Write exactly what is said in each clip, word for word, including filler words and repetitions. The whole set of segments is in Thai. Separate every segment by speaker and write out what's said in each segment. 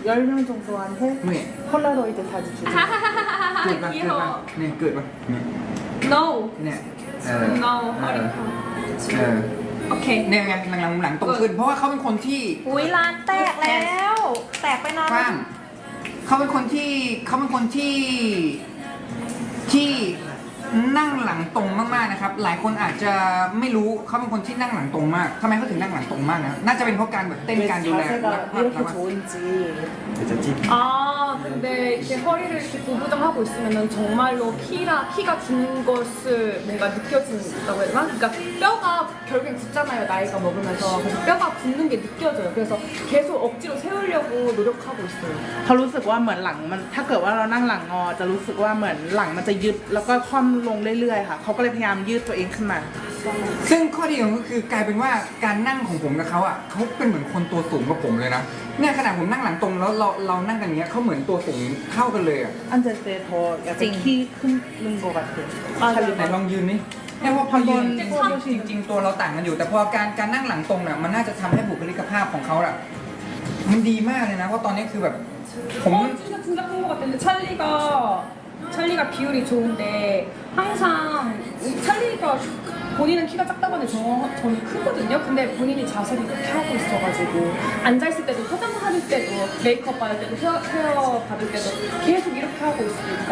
Speaker 1: 열 명 정도한테
Speaker 2: เนี่ย
Speaker 1: 폴라로이드 사진 주고
Speaker 2: เกิดปะเกิดปะเนี่ยเกิดปะเนี่ย
Speaker 3: no
Speaker 2: เนี่ยเออ
Speaker 3: no
Speaker 2: เออเออ
Speaker 3: โอเค
Speaker 2: เนี่ยไงหลังๆหลังตรงขึ้น เพราะว่าเขาเป็นคนที่
Speaker 4: อุ้ยร้านแตกแล้ว แตกไปนาน
Speaker 2: กว้างเขาเป็นคนที่เขาเป็นคนที่ที่นั่งหลังตรงมากๆนะครับ หลายคนอาจจะไม่รู้เขาเป็นคนที่นั่งหลังตรงมากทำไมเขาถึงนั่งหลังตรงมากนะน่าจะเป็นเพราะการแบบเต้น
Speaker 1: 왜
Speaker 2: การดูแล
Speaker 1: 자세가
Speaker 2: รักมาก
Speaker 1: 이렇게
Speaker 2: รัก
Speaker 1: 좋은지
Speaker 3: 아 근데 이렇게 허리를 이렇게 구부정하고 있으면은 정말로 키라 키가 긴 것을 뭔가 느껴진다고 해야 되나? 그러니까 뼈가 결국엔 굳잖아요 나이가 먹으면서 그래서 뼈가 굳는 게 느껴져요. 그래서 계속 억지로 세우려고 노력하고 있어요.
Speaker 1: เขารู้สึกว่าเหมือนหลังมันถ้าเกิดว่าเรานั่งหลังงอจะรู้สึกว่าเหมือนหลังมันจะยึดแล้วก็คว่ำลงเรื่อยๆค่ะเขาก็เลยพยายามยืดตัวเองขึ้นมา
Speaker 2: ซึ่งข้อดีของเขาคือกลายเป็นว่าการนั่งของผมกับเขาอ่ะเขาเป็นเหมือนคนตัวสูงกว่าผมเลยนะเนี่ยขนาดผมนั่งหลังตรงแล้วเราเรานั่งกันอย่างเงี้ยเขาเหมือนตัวสูงเท่ากันเลยอ่ะ
Speaker 1: 앉을 때 더 약간 키 크는 것 같아요.
Speaker 2: ไหนลองยืนนี่เนี่ยพอพอยืนจริงจริง ๆ ตัวเราต่างกันอยู่ แต่พอการการนั่งหลังตรงเนี่ยมันน่าจะทำให้บุคลิกภาพของเขาอะมันดีมากเลยนะเพราะตอนนี้คือแบบผม
Speaker 3: 어 진짜 진짜 큰 것 같은데 찰리가 찰리가 비율이 좋은데 항상 찰리가 본인은 키가 작다고 하는데 저, 저는 크거든요. 근데 본인이 자세를 이렇게 하고 있어가지고 앉아있을 때도 화장할 때도 메이크업 받을 때도 헤어, 헤어 받을 때도 계속 이렇게 하고 있으니까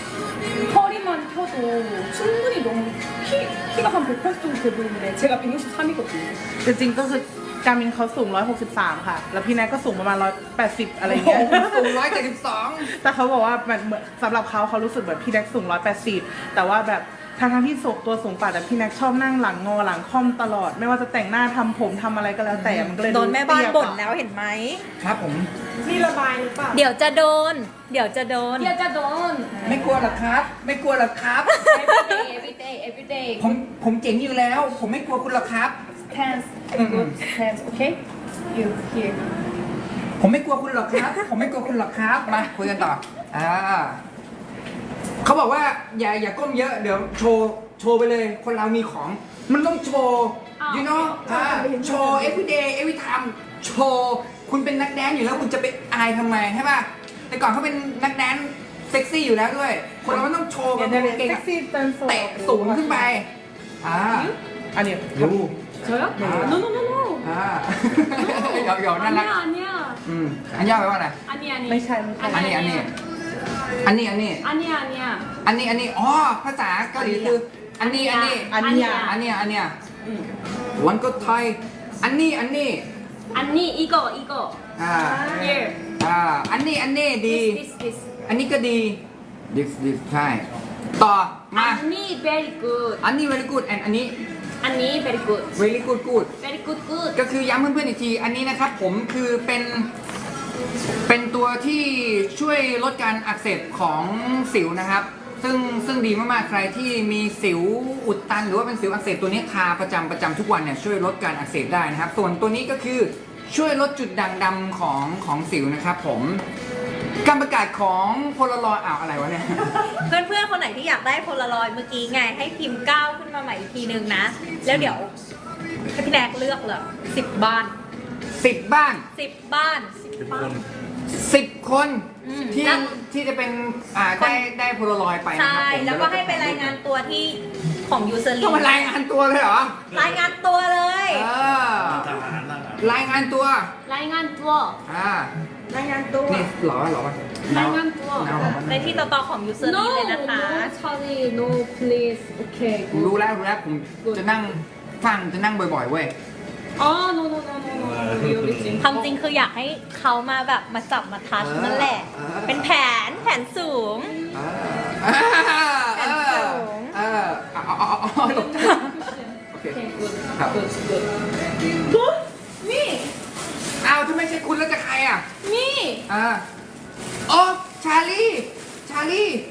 Speaker 3: 허리만 펴도 충분히 너무 키, 키가 한 백팔십 정도 돼 보이는데 제가 백육십삼이거든요.
Speaker 1: จริงๆก็คือการมินเขาสูงหนึ่งร้อยหกสิบสามค่ะ แล้วพี่แนทก็สูงประมาณหนึ่งร้อยแปดสิบอะไรเงี้ย
Speaker 2: สูงร้อยเจ็ดสิบสอง
Speaker 1: แต่เขาบอกว่ามันเหมือนสำหรับเขาเขารู้สึกแบบพี่แน็กสูงหนึ่งร้อยแปดสิบแต่ว่าแบบทางทางๆที่สูงตัวสูงกว่าแต่พี่แน็กชอบนั่งหลังงอหลังค่อมตลอด ไม่ว่าจะแต่งหน้าทำผมทำอะไรก็แล้วแต่มันก็เลย
Speaker 4: โดนแม่บ้านบ่น
Speaker 1: เตี้ย
Speaker 4: แล้วเห็นไหม
Speaker 2: ครับผม
Speaker 3: นี่ระบายหรือเปล่า
Speaker 4: เดี๋ยวจะโดน เดี๋ยวจะโดน
Speaker 3: เดี๋ยวจะโดน
Speaker 2: ไม่กลัวหรอกครับ ไม่กลัวหรอกครับ
Speaker 3: everyday everyday everyday
Speaker 2: ผมผมเจ๋งอยู่แล้ว ผมไม่กลัวคุณหรอกครับ
Speaker 3: hands good hands okay you here
Speaker 2: ผมไม่กลัวคุณหรอกครับ ผมไม่กลัวคุณหรอกครับ มาคุยกันต่อ อ่าเขาบอกว่าอย่าอย่าก้มเยอะ เดี๋ยวโชว์โชว์ไปเลย คนเรามีของ มันต้องโชว์ you know อ่าโชว์ every day every time โชว์ คุณเป็นนักแดนซ์อยู่แล้วคุณจะไปอายทำไมใช่ป่ะ แต่ก่อนเขาเป็นนักแดนซ์เซ็กซี่อยู่แล้วด้วย คนเรามันต้องโชว์แบบ
Speaker 1: 옛날에
Speaker 2: เก่งอะ
Speaker 1: 섹시 댄서
Speaker 2: เตะสูงขึ้นไป อ่า
Speaker 1: 아니요
Speaker 2: ดู
Speaker 3: 저요?
Speaker 2: 네.
Speaker 3: no no no no
Speaker 2: อ่าหยอกหยอกน่ารัก
Speaker 3: 아니야 아니야
Speaker 2: อืมอันย่าไปว่าอะไร
Speaker 3: 아니 아니
Speaker 1: ไม่ใช่ไม่ใช่
Speaker 2: อันนี้อันนี้ อันนี้อันนี้
Speaker 3: 아니야 아니야
Speaker 2: อันนี้อันนี้อ๋อภาษาเกาหลีคือ อันนี้อันนี้
Speaker 1: อันเนี้ย
Speaker 2: อันเนี้ยอันเนี้ยวันก็ไทย อันนี้อันนี้
Speaker 3: 아니 이거 이거
Speaker 2: อ่า
Speaker 3: here
Speaker 2: อ่า อันนี้อันนี้ดี
Speaker 3: this this this
Speaker 2: อันนี้ก็ดี this this ใช่ ต่อ มา
Speaker 3: 아니 very good
Speaker 2: อันนี้ very good and อันนี้
Speaker 3: 아니 very good
Speaker 2: very good good
Speaker 3: very good good
Speaker 2: ก็คือย้ำเพื่อนๆอีกที อันนี้นะครับผมคือเป็น เป็นตัวที่ช่วยลดการอักเสบของสิวนะครับ ซึ่งซึ่งดีมากๆ ใครที่มีสิวอุดตันหรือว่าเป็นสิวอักเสบตัวนี้ทาประจำประจำทุกวันเนี่ยช่วยลดการอักเสบได้นะครับ ส่วนตัวนี้ก็คือช่วยลดจุดด่างดำของของสิวนะครับผม การประกาศของโพลารอยด์อ้าวอะไรวะเนี่ย
Speaker 4: เพื่อนๆ คนไหนที่อยากได้โพลารอยด์เมื่อกี้ไง ให้พิมพ์ก้าวขึ้นมาใหม่อีกทีนึงนะ แล้วเดี๋ยวให้พี่แนกเลือกเลยสิบบ้าน
Speaker 2: สิบบ้าน
Speaker 4: สิบบ้าน
Speaker 2: สิบคน
Speaker 4: อืม
Speaker 2: ที่
Speaker 4: แล้ว
Speaker 2: ที่จะเป็นอ่าได้ได้โพลารอยด์ไปนะ
Speaker 4: ใช่
Speaker 2: ครับผม
Speaker 4: แล้วก็ให้ไปรายงานตัวที่ของยูเซอร์ลี
Speaker 2: ต้องมารายงานตัวเลยเหรอ
Speaker 4: รายงานตัวเลย
Speaker 2: เออรายงานตัว
Speaker 3: 라잉한 투어
Speaker 2: อ่าร
Speaker 4: ายงานตัว
Speaker 2: นี่หรอหรอ
Speaker 3: 라잉한 투어
Speaker 4: ในที่ต่อๆของยูเซอร์ลี
Speaker 3: no
Speaker 4: เลยนะคะ
Speaker 3: no Charlie no please okay
Speaker 2: ผม
Speaker 3: good
Speaker 2: รู้แล้วรู้แล้วผมจะนั่งฟังจะนั่งบ่อยๆเว้ย
Speaker 3: 아 no no no no no really 찡
Speaker 4: ความจริงคืออยากให้เขามาแบบมาจับมาทัชนั่นแหละ
Speaker 2: เออ
Speaker 4: เป็นแผนแผนสูง
Speaker 2: เออเออเออเออเอาเอาเอาเอาตกใจโอเค
Speaker 3: okay good
Speaker 2: ครับ
Speaker 3: good good good me
Speaker 2: อ้าวถ้าไม่ใช่คุณแล้วจะใครอ่ะ
Speaker 3: me
Speaker 2: อ่าโอ้ชาลีชาลี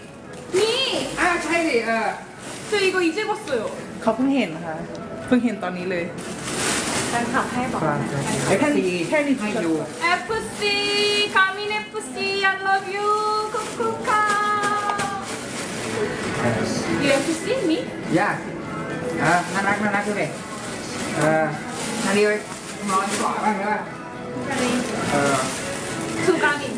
Speaker 3: me
Speaker 2: อ้าวใช่ดิเออ
Speaker 3: 저 이거 이제 봤어요
Speaker 1: เขาเพิ่งเห็นนะคะเพิ่งเห็นตอนนี้เลย
Speaker 4: แฟนคลับให้บอก
Speaker 2: เอฟซีให้ดู
Speaker 3: 에프씨 가민 에프씨 I love you 쿠쿠카 You 에프씨 me?
Speaker 2: ย่าเออน่ารักน่ารักดูดิเออชาลีไปนอนก่อนบ้างได้ป่ะเออ
Speaker 3: 투 가민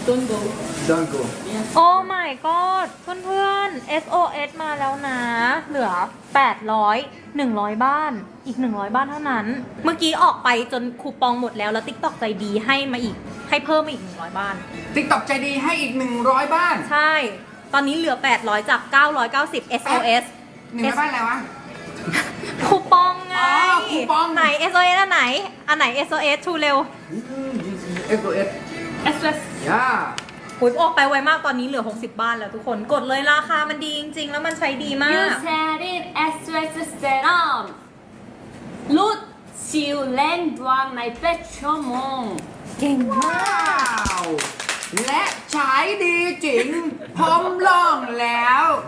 Speaker 3: don't go.
Speaker 2: Don't go
Speaker 4: โอ้ my god เพื่อนๆ เอส โอ เอส มาแล้วนะ เหลือ แปดร้อย หนึ่งร้อย บ้าน อีก หนึ่งร้อย บ้านเท่านั้น เมื่อกี้ออกไปจนคูปองหมดแล้ว แล้ว TikTok ใจดีให้มาอีก ให้เพิ่มมาอีก หนึ่งร้อย บ้าน
Speaker 2: TikTok ใจดีให้อีกหนึ่งร้อยบ้าน
Speaker 4: ใช่ ตอนนี้เหลือ แปดร้อย จาก เก้าร้อยเก้าสิบ เอส โอ เอส
Speaker 2: หนึ่งร้อยบ้านอะไรวะ
Speaker 4: คูปองไง
Speaker 2: อ๋อคูปอง
Speaker 4: ไหน เอส โอ เอส อันไหน อันไหน เอส โอ เอส ชูเร็ว
Speaker 2: เอส โอ เอส
Speaker 3: S O S.
Speaker 2: ย่า
Speaker 4: หุยออกไปไวมากตอนนี้เหลือ หกสิบ บ้านแล้วทุกคน กดเลยราคามันดีจริงๆ แล้วมันใช้ดีมาก
Speaker 5: You said it S O S serum. 롯 시우 랜드왕 나이 빼초몽.
Speaker 4: เก่งมาก
Speaker 2: ว้าว และใช้ดีจริง พร้อมลองแล้ว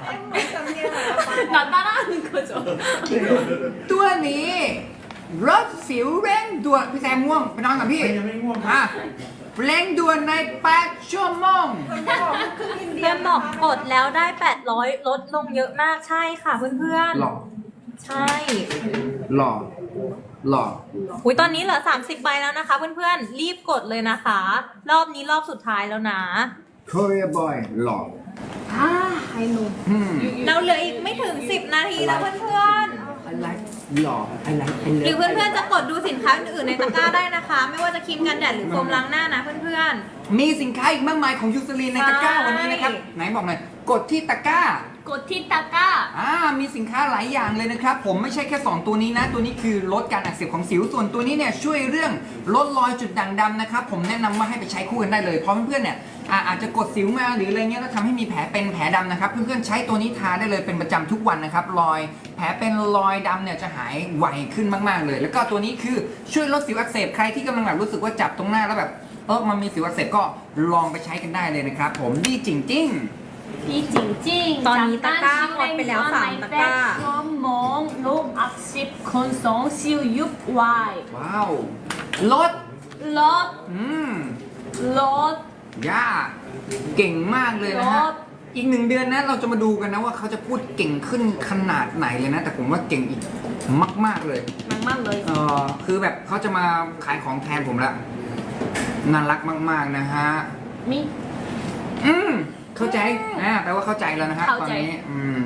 Speaker 5: 나 따라하는 거죠.
Speaker 2: ตัวนี้รถสิวเร่งด่วนพี่แซมง่วงไปนอนกับพี่ยังไม่ง่วงอ่ะเร่งด่วนในแปดชั่วโมง
Speaker 4: เพื่อนบอกกดแล้วได้ แปดร้อย ลดลงเยอะมากใช่ค่ะเพื่อน
Speaker 2: หล่อ
Speaker 4: ๆ ใช่
Speaker 2: หล่อหล่อ
Speaker 4: หุยตอนนี้เหลือ สามสิบ ใบแล้วนะคะเพื่อนๆ รีบกดเลยนะคะ รอบนี้รอบสุดท้ายแล้วนะ
Speaker 2: Korea boy หล่อ
Speaker 5: 아, I know.
Speaker 2: อืม
Speaker 4: เราเหลืออีกไม่ถึง สิบ นาทีแล้วเพื่อน
Speaker 2: I like หล่อ I like I
Speaker 4: ๆ หรือเพื่อนๆ จะกดดูสินค้าอื่นๆในตะกร้าได้นะคะ ไม่ว่าจะครีมกันแดดหรือโฟมล้างหน้านะเพื่อน
Speaker 2: มีสินค้าอีกมากมายของยูซลีนในตะกร้า
Speaker 4: ใช่
Speaker 2: วันนี้นะครับ ไหนบอกหน่อย กดที่ตะกร้า
Speaker 5: 고티타까.
Speaker 2: อ่า มีสินค้าหลายอย่างเลยนะครับ ผมไม่ใช่แค่ สอง ตัวนี้นะ ตัวนี้คือลดการอักเสบของสิว ส่วนตัวนี้เนี่ยช่วยเรื่องลดรอยจุดด่างดำนะครับ ผมแนะนำว่าให้ไปใช้คู่กันได้เลย เพราะเพื่อนๆ เนี่ยอ่าอาจจะกดสิวมาหรืออะไรเงี้ยแล้วทำให้มีแผลเป็นแผลดำนะครับ เพื่อนๆ ใช้ตัวนี้ทาได้เลยเป็นประจำทุกวันนะครับ รอยแผลเป็นรอยดำเนี่ยจะหายไวขึ้นมากๆเลย แล้วก็ตัวนี้คือช่วยลดสิวอักเสบใครที่กำลังแบบรู้สึกว่าจับตรงหน้าแล้วแบบเออมันมีสิวอักเสบก็ลองไปใช้กันได้เลยนะครับผมดีจริงๆ
Speaker 5: 비징징.
Speaker 4: 떠니 따까, 헛벨레오 쌈 따까.
Speaker 5: 쇼몽 록 악십 건성 시우 육 와이.
Speaker 2: ว้าวลด
Speaker 5: 롯
Speaker 2: อืม
Speaker 5: 롯
Speaker 2: ย่าเก่งมากเลยนะฮะ
Speaker 5: รถ
Speaker 2: อีกหนึ่งเดือนนะเราจะมาดูกันนะว่าเขาจะพูดเก่งขึ้นขนาดไหนเลยนะ แต่ผมว่าเก่งอีกมาก ๆเลย
Speaker 5: 막막เลย
Speaker 2: เออคือแบบเขาจะมาขายของแทนผมแล้วน่ารักมาก ๆนะฮะ
Speaker 5: 미
Speaker 2: อืมเข้าใจอ่าแปลว่าเข้าใจแล้วนะฮะ
Speaker 5: เข้า
Speaker 2: ตอน
Speaker 5: ใจ
Speaker 2: นี้อืม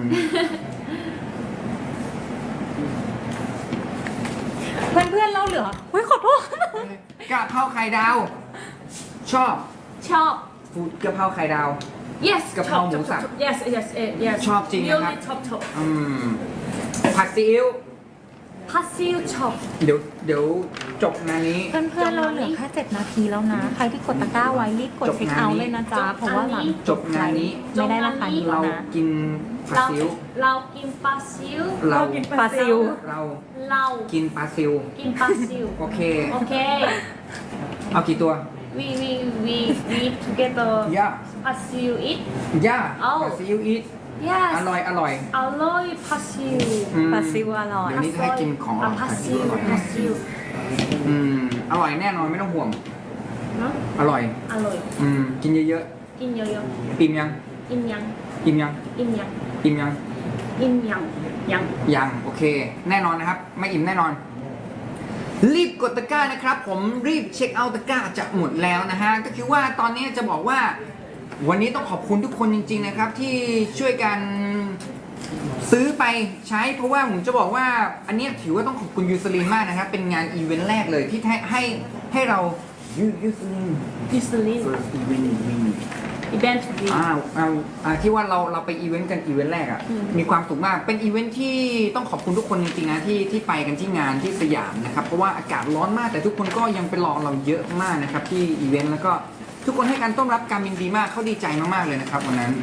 Speaker 4: ๆ เพื่อนๆ เราเหลือเฮ้ยขอโทษ
Speaker 2: กะเพราไข่ดาว ชอบ
Speaker 5: 첩
Speaker 2: ฟูดกะเพราไข่ดาว
Speaker 5: yes
Speaker 2: กะเพราหมูสับ
Speaker 5: yes yes yes
Speaker 2: ชอบจริงนะครับ
Speaker 5: really 첩첩
Speaker 2: อืมผัดซีอิ๊ว
Speaker 5: 파시우 첩
Speaker 2: เดี๋ยวเดี๋ยวจบงานนี้
Speaker 4: เพื่อนๆ เราเหลือแค่ เจ็ด นาทีแล้วนะ ใครที่กดตะกร้าไว้รีบกด
Speaker 2: จบ
Speaker 4: เช็ค
Speaker 2: งาน
Speaker 4: เอาท์
Speaker 2: นี้
Speaker 4: เลยนะจ๊ะ เพราะว่าหลัง
Speaker 2: จบงานนี้
Speaker 4: ไม่ได้ราคานี้แล้
Speaker 2: เรา
Speaker 4: วนะ
Speaker 2: กินผัดซีอิ๊ว
Speaker 5: 라우 낀 파시우
Speaker 2: เรา
Speaker 4: ปลาซิว
Speaker 2: เรา
Speaker 5: 라우
Speaker 2: กินปลาซิว
Speaker 5: 낀 파시우
Speaker 2: โอเค
Speaker 5: 오케이
Speaker 2: เอากี่ตัว
Speaker 5: we we we we together
Speaker 2: ย่า
Speaker 5: 파시우 eat
Speaker 2: ย่า
Speaker 5: เอา
Speaker 2: ปลาซิอิ๊วอีท
Speaker 5: yes
Speaker 2: อร่อยอร่อย
Speaker 5: 알로이 파시우
Speaker 2: อืม
Speaker 4: ปลาซิวอร่อย
Speaker 2: เดี๋ยวนี้ให้กินของอร่อย
Speaker 5: 아
Speaker 2: ผัดซีอิ๊ว
Speaker 5: 파시우
Speaker 2: อร่อย
Speaker 5: 파시우
Speaker 2: อืมอร่อยแน่นอนไม่ต้องห่วง
Speaker 5: 응?
Speaker 2: อร่อย
Speaker 5: 알로이
Speaker 2: อืมกินเยอะ
Speaker 5: 낀 여여
Speaker 2: ๆอิ่มยัง
Speaker 5: 인양
Speaker 2: อิ่มยัง
Speaker 5: 인양
Speaker 2: อิ่มยัง
Speaker 5: 인양 양
Speaker 2: ยังโอเค แน่นอนนะครับ ไม่อิ่มแน่นอน รีบกดตะกร้านะครับ ผมรีบเช็คเอาท์ตะกร้าจะหมดแล้วนะฮะก็คือว่าตอนนี้จะบอกว่า วันนี้ต้องขอบคุณทุกคนจริง ๆนะครับ ที่ช่วยกันซื้อไปใช้เพราะว่าผมจะบอกว่าอันเนี้ยถือว่าต้องขอบคุณยูซลีนมากนะครับ เป็นงานอีเวนต์แรกเลยที่ให้ให้ให้เรายูยูซลีน
Speaker 5: 유슬린
Speaker 2: อีเวนต์อีเวนต์
Speaker 5: 이벤트 위
Speaker 2: อ่าเอาอ่าที่ว่าเราเราไปอีเวนต์กันอีเวนต์แรกอ่ะ
Speaker 5: อืม
Speaker 2: มีความสุขมากเป็นอีเวนต์ที่ต้องขอบคุณทุกคนจริงๆนะที่ที่ไปกันที่งานที่สยามนะครับเพราะว่าอากาศร้อนมากแต่ทุกคนก็ยังไปรอเราเยอะมากนะครับที่อีเวนต์แล้วก็ทุกคนให้การต้อนรับการบินดีมากเขาดีใจมากๆเลยนะครับวันนั้น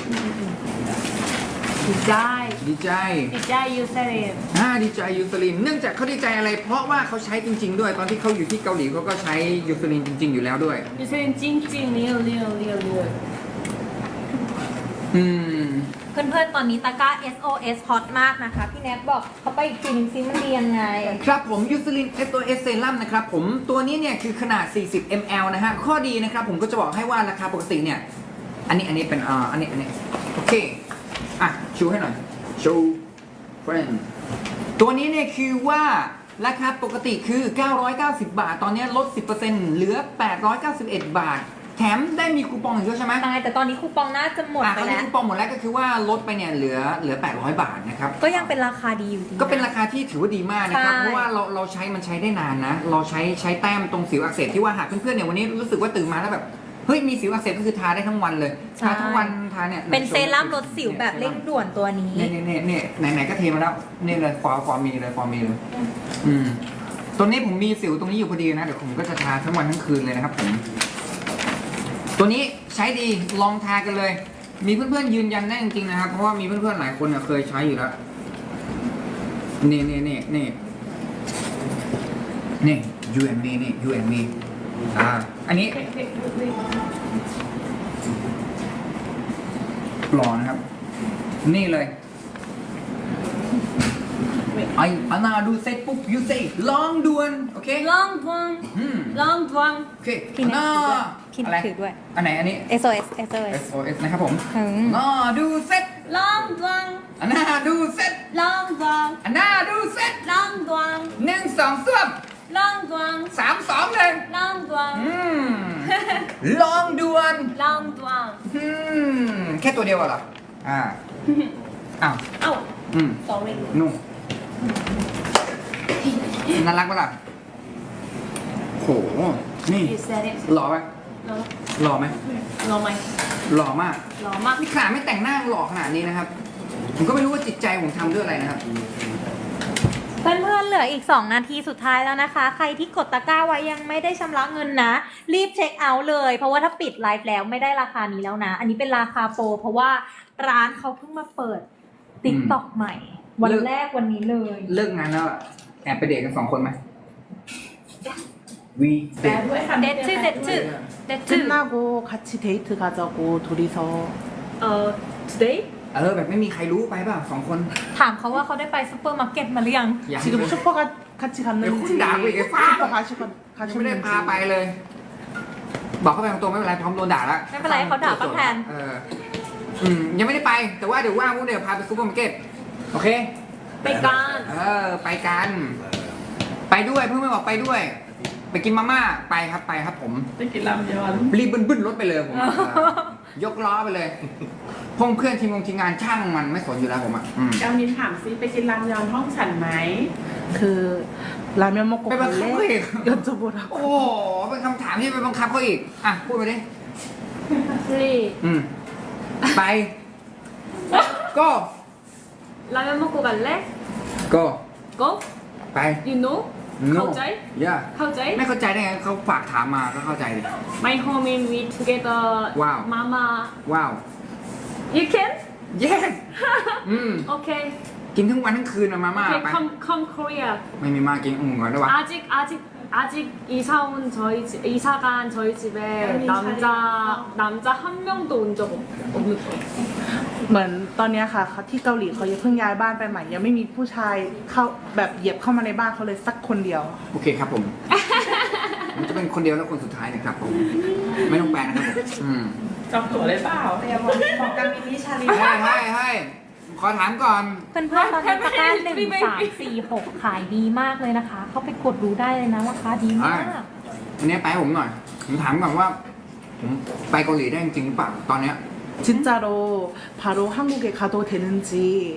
Speaker 5: 디자이
Speaker 2: ดีใจ
Speaker 5: 디자이 유슬린
Speaker 2: อ่าดีใจยูซลินเนื่องจากเขาดีใจอะไร เพราะว่าเขาใช้จริง ๆ ด้วยตอนที่เขาอยู่ที่เกาหลีเขาก็ใช้ยูซลินจริง ๆ อยู่แล้วด้วย
Speaker 5: 유슬린 찡찡 리얼 리얼 리얼 리얼
Speaker 2: อืม
Speaker 4: เพื่อนๆ ตอนนี้ตะกร้า เอส โอ เอส ฮอตมากนะคะ พี่แนทบอกเขาไปอีกทีนึงซิมันดียังไง
Speaker 2: ครับผมยูซลิน เอส โอ เอส เซรั่มนะครับผมตัวนี้เนี่ยคือขนาด สี่สิบมิลลิลิตร นะฮะข้อดีนะครับผมก็จะบอกให้ว่าราคาปกติเนี่ยอันนี้อันนี้เป็นอ่าอันนี้อันนี้โอเคอ่ะชูให้หน่อยชูเฟรนตัวนี้เนี่ยคือว่าราคาปกติคือ เก้าร้อยเก้าสิบบาท ตอนนี้ลด สิบเปอร์เซ็นต์ เหลือ แปดร้อยเก้าสิบเอ็ด บาท แถถมได้มีคูปองอีกด้วยใช่ไหม
Speaker 4: ใช่แต่ตอนนี้คูปองน่าจะหมด
Speaker 2: อ่ะ
Speaker 4: ไป
Speaker 2: เขามี
Speaker 4: แล้ว
Speaker 2: คูปองหมดแล้วก็คือว่าลดไปเนี่ยเหลือเหลือแปดร้อยบาทนะครับ
Speaker 4: ก็ยังเป็นราคาดีอยู่ดีะ
Speaker 2: ก็เป็นราคาที่ถือว่าดีมากนะครับ
Speaker 4: ใช่
Speaker 2: เพราะว่าเราเราใช้มันใช้ได้นานนะ เราใช้ใช้แต้มตรงสิวอักเสบที่ว่าหากเพื่อนๆเนี่ยวันนี้รู้สึกว่าตื่นมาแล้วแบบเฮ้ยมีสิวอักเสบก็คือทาได้ทั้งวันเลย ทาทั้งวันทาเนี่ย
Speaker 4: เป็นเซรั่มลดสิวแบบเร่งด่วนตัวนี้
Speaker 2: เนี่ยเนี่ยเนี่ยเนี่ยไหนๆก็เทมาแล้วนี่เลยฟอร์ฟอร์มีเลยฟอร์มีเลยอืมตัวนี้ผมมีสิวตรงนี้อยู่พอดีนะเดี๋ยวผมก็จะทาทั้งวันทั้งคืนเลยนะครับผมตัวนี้ใช้ดีลองทากันเลย มีเพื่อนๆยืนยันได้จริงๆนะครับเพราะว่ามีเพื่อนๆหลายคนเนี่ยเคยใช้อยู่แล้วนี่นี่นี่นี่นี่ you and me นี่ you and me อ่าอันนี้หล่อนะครับ นี่เลยไอ้อานาดูเสร็จปุ๊บ you say ลองด่วนโอเค
Speaker 5: long one
Speaker 2: อืม
Speaker 5: long one
Speaker 2: โอเค
Speaker 4: พี่แน็ก
Speaker 2: น่า
Speaker 4: ถือด้วยพี่
Speaker 2: อะไร
Speaker 4: ถือด้วย
Speaker 2: อันไหนอันนี้
Speaker 4: เอส โอ เอส เอส โอ เอส
Speaker 2: เอส โอ เอส นะครับผม
Speaker 4: ถึง
Speaker 2: น่าดูเสร็จ
Speaker 5: long one
Speaker 2: อันน่าดูเสร็จ
Speaker 5: long one
Speaker 2: อันน่าดูเสร็จ
Speaker 5: long one
Speaker 2: หนึ่งสองส้วม
Speaker 5: long one
Speaker 2: สามสองเลย
Speaker 5: long one
Speaker 2: อืมลองด่วน
Speaker 5: long one
Speaker 2: อืมแค่ตัวเดียวเหรออ่าอ้าว
Speaker 5: เอ้า
Speaker 2: อืม
Speaker 5: sorry
Speaker 2: นุ่มน่ารักปะล่ะโหนี่
Speaker 5: you said it
Speaker 2: หล่อไหม
Speaker 5: no
Speaker 2: หล่อไหม
Speaker 5: no ไหม
Speaker 2: หล่อมาก
Speaker 5: หล่อมาก
Speaker 2: นี่ขนาดไม่แต่งหน้าหล่อขนาดนี้นะครับ ผมก็ไม่รู้ว่าจิตใจผมทำด้วยอะไรนะครับ
Speaker 4: เพื่อนๆเหลืออีก สอง นาทีสุดท้ายแล้วนะคะ ใครที่กดตะกร้าไว้ยังไม่ได้ชำระเงินนะ รีบเช็คเอาท์เลย เพราะว่าถ้าปิดไลฟ์แล้วไม่ได้ราคานี้แล้วนะ อันนี้เป็นราคาโปรเพราะว่าร้านเขาเพิ่งมาเปิดติ๊กต็อกใหม่ วัน
Speaker 2: เลิก
Speaker 4: แรกวันนี้เลย
Speaker 2: เลิกงานแล้วอะแอบไปเดทกันสองคนไหมวีเดท
Speaker 4: เด็ดชื่อเด็ดชื่อเด็ดชื่อ
Speaker 1: 끝나고 같이 데이트 가자고 둘이서
Speaker 5: เอ่อ today
Speaker 2: เออแบบไม่มีใครรู้ไปเปล่าสองคน
Speaker 4: ถามเขาว่าเขาได้ไปซูเปอร์มาร์เก็ตมาหรือยัง
Speaker 2: ยัง
Speaker 1: 지금 슈퍼 가, 같이 갔는지
Speaker 2: 야, 혼자 하고 이게 팍!
Speaker 1: 슈퍼 가시,
Speaker 2: ยังไม่ได้
Speaker 1: 가셨는지
Speaker 2: พาไปเลย บอกเขาไปตรงๆไม่เป็นไรพร้อมโดนด่าแล้ว
Speaker 4: ไม่เป็นไรเขาด่าเขาแทน
Speaker 2: เอออืมยังไม่ได้ไป แต่ว่าเดี๋ยวว่างพวกเดี๋ยวพาไปซูเปอร์มาร์เก็ตโอเค
Speaker 5: ไปกัน
Speaker 2: เออไปกัน ไปด้วยเพื่อนไม่บอกไปด้วย ไปกินมาม่าไปครับไปครับผม
Speaker 1: 땡기 라면
Speaker 2: รีบบึ้นบึ้นรถไปเลยผมอะเออยกล้อไปเลยพงเพื่อนทีมงงทีมงานช่างมันไม่สนอยู่แล้วผมอ่ะอืม
Speaker 6: เจ้านินถามซิไปกินรามยอนห้องฉันไหม
Speaker 1: 그 라면 먹고
Speaker 2: 빼봐,
Speaker 1: 갈래?
Speaker 2: 카페에.
Speaker 1: 여쭤보라고
Speaker 2: โอ้โหเป็นคำถามที่ไปบังคับเขาอีกอ่ะพูดมาดิ
Speaker 5: three
Speaker 2: อืมไปก็
Speaker 5: 라면 먹고 갈래?
Speaker 2: ก็
Speaker 5: go
Speaker 2: ไป
Speaker 5: you know เข้าใจ
Speaker 2: ย่า
Speaker 5: เข้าใจ
Speaker 2: ไม่เข้าใจได้ไงเขาฝากถามมาก็เข้าใจดิ
Speaker 5: my home in we together
Speaker 2: Wow.
Speaker 5: mama
Speaker 2: ว้าว
Speaker 5: you can
Speaker 2: yes อืม
Speaker 5: okay
Speaker 2: กินทั้งวันทั้งคืนอะมาม่า
Speaker 5: okay
Speaker 2: ไป
Speaker 5: come come Korea
Speaker 2: ไม่มีมากินอุ่นก่อนได้วะ
Speaker 5: 아직 아직 아직 이사 온 저희 집 이사 간 저희 집에 남자 남자 한 명도 온 적 없는 거예요.
Speaker 1: เหมือนตอนเนี้ยค่ะเขาที่เกาหลีเขายังเพิ่งย้ายบ้านไปใหม่ ยังไม่มีผู้ชายเข้าแบบเหยียบเข้ามาในบ้านเขาเลยสักคนเดียว
Speaker 2: โอเคครับผม ผมจะเป็นคนเดียวและคนสุดท้ายนะครับผม ไม่ต้องแปลนะครับผมอืม
Speaker 6: จองตั๋วเลยเปล่า
Speaker 2: ให้ให้ให้ขอถามก่อน
Speaker 4: เพื่อนๆตอนนี้ตะกร้าหนึ่งสามสี่หกขายดีมากเลยนะคะ เข้าไปกดดูได้เลยนะราคาดีมาก
Speaker 2: อันนี้ไปให้ผมหน่อย ผมถามก่อนว่า ผมไปเกาหลีได้จริงหรือเปล่าตอนเนี้ย
Speaker 1: 진짜로 바로 한국에 가도 되는지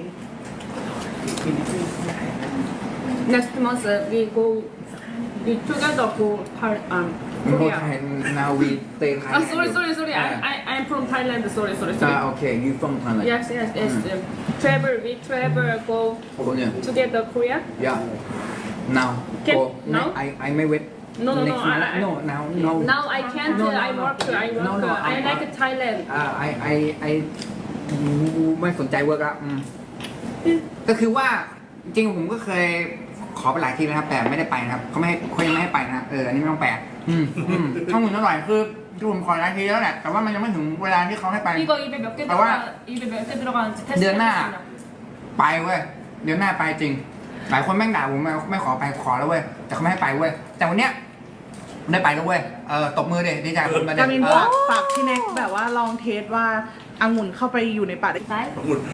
Speaker 5: Next month we go we together go Thai um
Speaker 2: โค
Speaker 5: Korea.
Speaker 2: ไทยนาวีเตไทย
Speaker 5: Oh sorry sorry sorry I I I'm from Thailand sorry sorry
Speaker 2: อ่า
Speaker 5: sorry.
Speaker 2: โอเค you from Thailand
Speaker 5: Yes yes yes. um, Travel we travel go
Speaker 2: โอ้โหเนี่ย
Speaker 5: together Korea.
Speaker 2: yeah now
Speaker 5: Can-
Speaker 2: go
Speaker 5: now?
Speaker 2: I I ไม่เวท
Speaker 5: No no no
Speaker 2: next month
Speaker 5: I, I,
Speaker 2: no now no
Speaker 5: Now I can't
Speaker 2: No, no,
Speaker 5: I
Speaker 2: no.
Speaker 5: work I work
Speaker 2: No, no,
Speaker 5: I
Speaker 2: I-
Speaker 5: like Thailand.
Speaker 2: อ่า I I I ไม่สนใจเวิร์กแล้วอืมก็คือว่าจริงๆผมก็เคยขอไปหลายทีนะครับ แต่ไม่ได้ไปนะครับเขาไม่ให้เขายังไม่ให้ไปนะเอออันนี้ไม่ต้องแปลอืมอืมข้อมูลอร่อยคือที่ผมขอหลายทีแล้วแหละแต่ว่ามันยังไม่ถึงเวลาที่เขาให้ไป
Speaker 5: 이거 입에 몇 개
Speaker 2: 아, 와.
Speaker 5: 들어가 입에 몇 개 들어가는지 테스트
Speaker 2: ดือนหน้า
Speaker 5: 해보겠습니다.
Speaker 2: ไปเว้ยเดือนหน้าไปจริง หลายคนแม่งด่าผมไม่ไม่ขอไปขอแล้วเว้ยแต่เขาไม่ให้ไปเว้ยแต่วันเนี้ยได้ไปแล้วเว้ยเออตบมือเด็ดีใจผมมาเด็
Speaker 1: กามิน
Speaker 2: เอ
Speaker 1: ฝา
Speaker 2: อ
Speaker 1: กฝากพี่แน็กแบบว่าลองเทสว่าองุ่นเข้าไปอยู่ในปากได้
Speaker 5: 나이?